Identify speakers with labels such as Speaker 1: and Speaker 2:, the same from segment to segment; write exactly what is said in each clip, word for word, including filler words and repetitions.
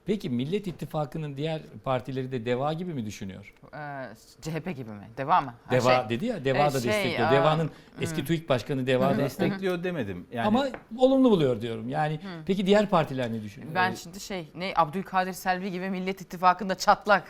Speaker 1: Peki Millet İttifakı'nın diğer partileri de DEVA gibi mi düşünüyor?
Speaker 2: Ee, C H P gibi mi? Deva mı? Ha,
Speaker 1: DEVA
Speaker 2: şey,
Speaker 1: dedi ya, DEVA
Speaker 2: e,
Speaker 1: da
Speaker 2: şey,
Speaker 1: destekliyor.
Speaker 2: aa,
Speaker 1: DEVA'nın
Speaker 2: hmm.
Speaker 1: eski TÜİK Başkanı DEVA destek.
Speaker 3: Destekliyor demedim. Yani
Speaker 1: Ama olumlu buluyor diyorum. Yani peki diğer partiler ne düşünüyor?
Speaker 2: Ben şimdi şey ne Abdülkadir Selvi gibi Millet İttifakı'nda çatlak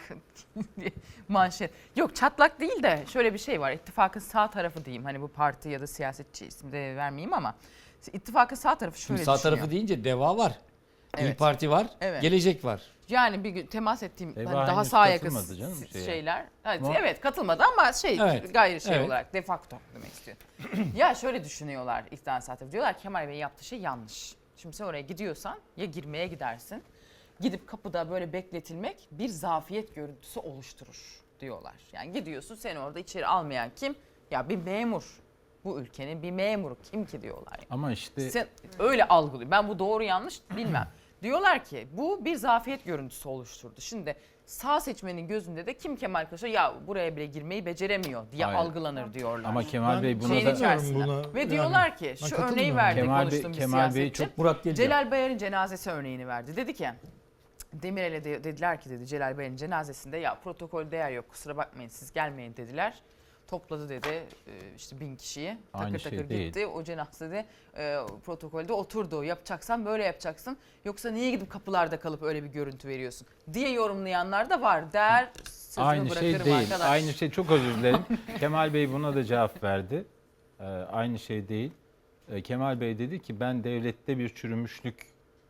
Speaker 2: manşet. Yok çatlak değil de şöyle bir şey var. İttifakın sağ tarafı diyeyim. Hani bu parti ya da siyasetçi ismi de vermeyeyim ama ittifakın sağ tarafı şöyle
Speaker 1: Şimdi sağ
Speaker 2: düşünüyor.
Speaker 1: tarafı deyince DEVA var. İyi
Speaker 2: Evet.
Speaker 1: Parti var.
Speaker 2: Evet.
Speaker 1: Gelecek var.
Speaker 2: Yani bir gün temas ettiğim
Speaker 3: Deva
Speaker 2: hani daha
Speaker 3: henüz
Speaker 2: sağa yakın
Speaker 3: katılmadı canım şeye.
Speaker 2: şeyler. Evet,
Speaker 3: Ama-
Speaker 2: evet katılmadı ama şey
Speaker 1: Evet,
Speaker 2: gayri şey
Speaker 1: evet.
Speaker 2: olarak de facto demek istiyor. Ya şöyle düşünüyorlar İktidar Saati. Diyorlar ki Kemal Bey yaptığı şey yanlış. Şimdi sen oraya gidiyorsan ya girmeye gidersin. Gidip kapıda böyle bekletilmek bir zafiyet görüntüsü oluşturur diyorlar. Yani gidiyorsun seni orada içeri almayan kim? Ya bir memur. Bu ülkenin bir memuru kim ki diyorlar. Yani.
Speaker 3: ama işte
Speaker 2: Sen öyle algılıyor. Ben bu doğru yanlış bilmem. Diyorlar ki bu bir zafiyet görüntüsü oluşturdu. Şimdi sağ seçmenin gözünde de kim Kemal Kılıçdaroğlu ya buraya bile girmeyi beceremiyor diye
Speaker 3: Hayır.
Speaker 2: algılanır diyorlar.
Speaker 3: ama Kemal Bey buna
Speaker 2: Şeyin
Speaker 3: da
Speaker 2: içerisinde.
Speaker 4: buna.
Speaker 2: Ve
Speaker 4: Yani
Speaker 2: diyorlar ki
Speaker 4: ben
Speaker 2: şu örneği
Speaker 4: katılmıyorum.
Speaker 2: verdi
Speaker 3: Kemal Bey-
Speaker 2: konuştuğum bir
Speaker 3: Kemal Bey
Speaker 2: siyasetçi.
Speaker 3: çok
Speaker 1: Murat Gelecek.
Speaker 2: Celal Bayar'ın cenazesi örneğini verdi. Dedi ki Demirel'e de, dediler ki dedi Celal Bayar'ın cenazesinde ya protokol değer yok kusura bakmayın siz gelmeyin dediler. Topladı dedi e, işte bin kişiyi
Speaker 3: Aynı
Speaker 2: takır
Speaker 3: şey
Speaker 2: takır
Speaker 3: değil.
Speaker 2: gitti o cenazede e, protokolde oturdu yapacaksan böyle yapacaksın yoksa niye gidip kapılarda kalıp öyle bir görüntü veriyorsun diye yorumlayanlar da var der sözümü
Speaker 3: aynı şey
Speaker 2: bırakırım
Speaker 3: değil.
Speaker 2: arkadaş.
Speaker 3: Aynı şey, çok özür dilerim. Kemal Bey buna da cevap verdi. Ee, aynı şey değil. Ee, Kemal Bey dedi ki ben devlette bir çürümüşlük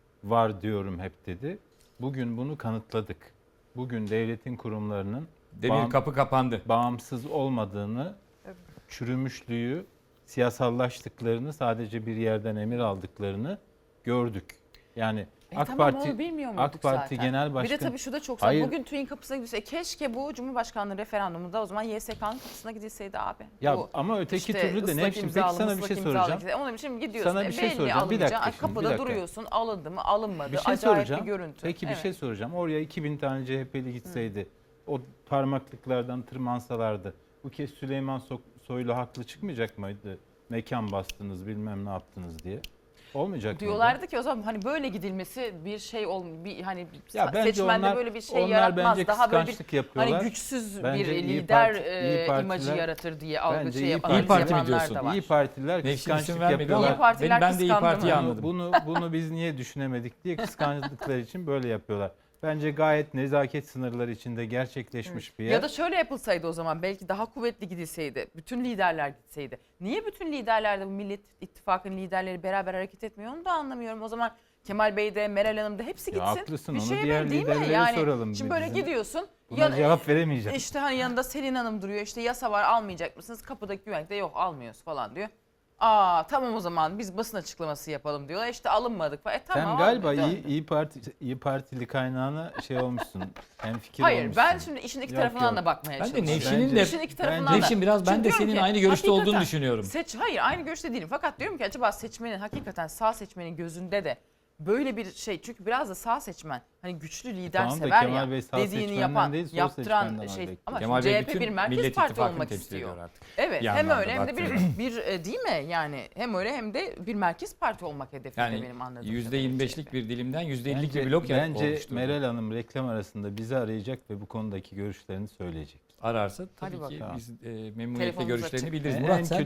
Speaker 3: var diyorum hep dedi. Bugün bunu kanıtladık. Bugün devletin kurumlarının
Speaker 1: Demir
Speaker 3: bağım-
Speaker 1: kapı kapandı.
Speaker 3: bağımsız olmadığını, çürümüşlüğü, siyasallaştıklarını, sadece bir yerden emir aldıklarını gördük. Yani
Speaker 2: E
Speaker 3: AK
Speaker 2: tamam
Speaker 3: Parti
Speaker 2: onu bilmiyor muyduk
Speaker 3: AK Parti
Speaker 2: zaten?
Speaker 3: Genel
Speaker 2: Bir de
Speaker 3: Başkanı
Speaker 2: tabii şu da çok
Speaker 3: Hayır.
Speaker 2: bugün TÜİK'in kapısına gidilse e, keşke bu Cumhurbaşkanlığı referandumunda o zaman Y S K'nın kapısına gidilseydi abi.
Speaker 3: ya
Speaker 2: Bu
Speaker 3: ama öteki
Speaker 2: işte
Speaker 3: türlü de
Speaker 2: ıslak
Speaker 3: ne biçim? Peki
Speaker 2: imzalı,
Speaker 3: sana bir
Speaker 2: ıslak
Speaker 3: şey
Speaker 2: imzalı
Speaker 3: soracağım.
Speaker 2: gidilse- Onun için gidiyorsun.
Speaker 3: Sana
Speaker 2: e,
Speaker 3: bir şey
Speaker 2: belli
Speaker 3: soracağım. Bir
Speaker 2: alınmayacak.
Speaker 3: dakika
Speaker 2: Ay,
Speaker 3: şimdi, bir
Speaker 2: kapıda
Speaker 3: dakika.
Speaker 2: duruyorsun alındı mı alınmadı.
Speaker 3: Bir şey
Speaker 2: Acayip
Speaker 3: soracağım.
Speaker 2: bir görüntü.
Speaker 3: Peki bir
Speaker 2: Evet.
Speaker 3: şey soracağım. Oraya iki bin tane C H P'li gitseydi, o parmaklıklardan tırmansalardı, bu kez Süleyman So- Soylu haklı çıkmayacak mıydı? Mekan bastınız, bilmem ne yaptınız diye. Olmayacak mıydı?
Speaker 2: Diyorlardı ki o zaman hani böyle gidilmesi bir şey ol bir hani
Speaker 3: Ya bence
Speaker 2: seçmende
Speaker 3: onlar-
Speaker 2: böyle bir şey
Speaker 3: onlar
Speaker 2: yaratmaz.
Speaker 3: bence
Speaker 2: Daha böyle bir
Speaker 3: kıskançlık yapıyorlar.
Speaker 2: hani güçsüz
Speaker 3: Bence
Speaker 2: bir
Speaker 3: İyi
Speaker 2: lider
Speaker 3: Parti-
Speaker 2: e,
Speaker 3: İyi Partiler-
Speaker 2: imajı yaratır diye algı
Speaker 3: Bence
Speaker 2: şey
Speaker 3: İyi
Speaker 2: yap-
Speaker 3: Parti-
Speaker 2: analiz
Speaker 1: İyi Parti mi
Speaker 2: yapanlar
Speaker 1: diyorsun?
Speaker 2: da var.
Speaker 3: İyi Partiler
Speaker 1: Nefsin
Speaker 3: kıskançlık
Speaker 1: isim vermedi
Speaker 3: yapıyorlar.
Speaker 1: ama
Speaker 2: İyi Partiler
Speaker 1: ben, ben de İyi
Speaker 2: kıskandı mı?
Speaker 1: Parti'yi anladım.
Speaker 3: Bunu bunu biz niye düşünemedik diye kıskançlıkları için böyle yapıyorlar. Bence gayet nezaket sınırları içinde gerçekleşmiş bir yer.
Speaker 2: Ya da şöyle yapılsaydı o zaman belki daha kuvvetli gidilseydi. Bütün liderler gitseydi. Niye bütün liderler de bu Millet İttifakı'nın liderleri beraber hareket etmiyor onu da anlamıyorum. O zaman Kemal Bey de Meral Hanım da hepsi
Speaker 3: Ya
Speaker 2: gitsin.
Speaker 3: haklısın,
Speaker 2: bir
Speaker 3: onu
Speaker 2: şey
Speaker 3: diğer
Speaker 2: ver, değil mi?
Speaker 3: liderlere
Speaker 2: Yani
Speaker 3: soralım.
Speaker 2: şimdi böyle
Speaker 3: Bizim
Speaker 2: gidiyorsun.
Speaker 3: Buna
Speaker 2: yan-
Speaker 3: cevap veremeyeceğim.
Speaker 2: İşte hani yanında Selin Hanım duruyor. İşte yasa var almayacak mısınız? Kapıdaki güvenlik de yok almıyoruz falan diyor. Aa tamam o zaman biz basın açıklaması yapalım diyorlar. İşte alınmadık falan. E, tamam,
Speaker 3: Sen galiba
Speaker 2: abi,
Speaker 3: iyi,
Speaker 2: dön.
Speaker 3: iyi Parti iyi Partili kaynağına şey olmuşsun. Hem fikir
Speaker 2: Hayır
Speaker 3: olmuşsun.
Speaker 2: ben şimdi işin iki
Speaker 3: Yok,
Speaker 2: tarafından
Speaker 3: yok.
Speaker 2: da bakmaya
Speaker 1: Ben de
Speaker 2: çalışıyorum.
Speaker 1: Nevşin'in
Speaker 3: Bence-
Speaker 1: de
Speaker 2: İşin iki tarafından da.
Speaker 1: Nevşin biraz ben
Speaker 2: Çünkü
Speaker 1: de
Speaker 2: diyorum
Speaker 1: senin
Speaker 2: ki,
Speaker 1: aynı görüşte olduğunu
Speaker 2: hakikaten
Speaker 1: düşünüyorum.
Speaker 2: Seç, hayır aynı görüşte değilim. Fakat diyorum ki acaba seçmenin hakikaten sağ seçmenin gözünde de böyle bir şey. Çünkü biraz da sağ seçmen hani güçlü lider
Speaker 3: Tamam da
Speaker 2: sever
Speaker 3: Kemal
Speaker 2: ya.
Speaker 3: Bey sağ
Speaker 2: dediğini
Speaker 3: seçmenden
Speaker 2: yapan,
Speaker 3: değil, sol
Speaker 2: yaptıran
Speaker 3: seçmenden
Speaker 2: şey.
Speaker 3: bekliyor.
Speaker 2: Ama
Speaker 1: Kemal
Speaker 2: şimdi
Speaker 1: Bey
Speaker 2: C H P
Speaker 1: bütün
Speaker 2: bir merkez
Speaker 1: Millet
Speaker 2: parti
Speaker 1: İttifakı'nı
Speaker 2: olmak
Speaker 1: temsil
Speaker 2: istiyor.
Speaker 1: ediyor artık.
Speaker 2: Evet
Speaker 1: Bir
Speaker 2: hem
Speaker 1: anlamda
Speaker 2: öyle hem de bir,
Speaker 1: baktığında.
Speaker 2: bir e, değil mi yani hem öyle hem de bir merkez parti olmak hedefinde
Speaker 1: Yani
Speaker 2: benim anladığım.
Speaker 1: yüzde yirmi beşlik bir dilimden yüzde ellilik
Speaker 3: Bence,
Speaker 1: bir blok yani
Speaker 3: bence
Speaker 1: oluştu.
Speaker 3: Meral Hanım reklam arasında bizi arayacak ve bu konudaki görüşlerini söyleyecek.
Speaker 1: Ararsa
Speaker 2: Hadi
Speaker 1: tabii ki
Speaker 2: bakalım.
Speaker 1: biz e, memnuniyetle
Speaker 2: Telefonumuz
Speaker 1: görüşlerini
Speaker 2: açık.
Speaker 1: bildiririz.
Speaker 3: En
Speaker 1: Murat sen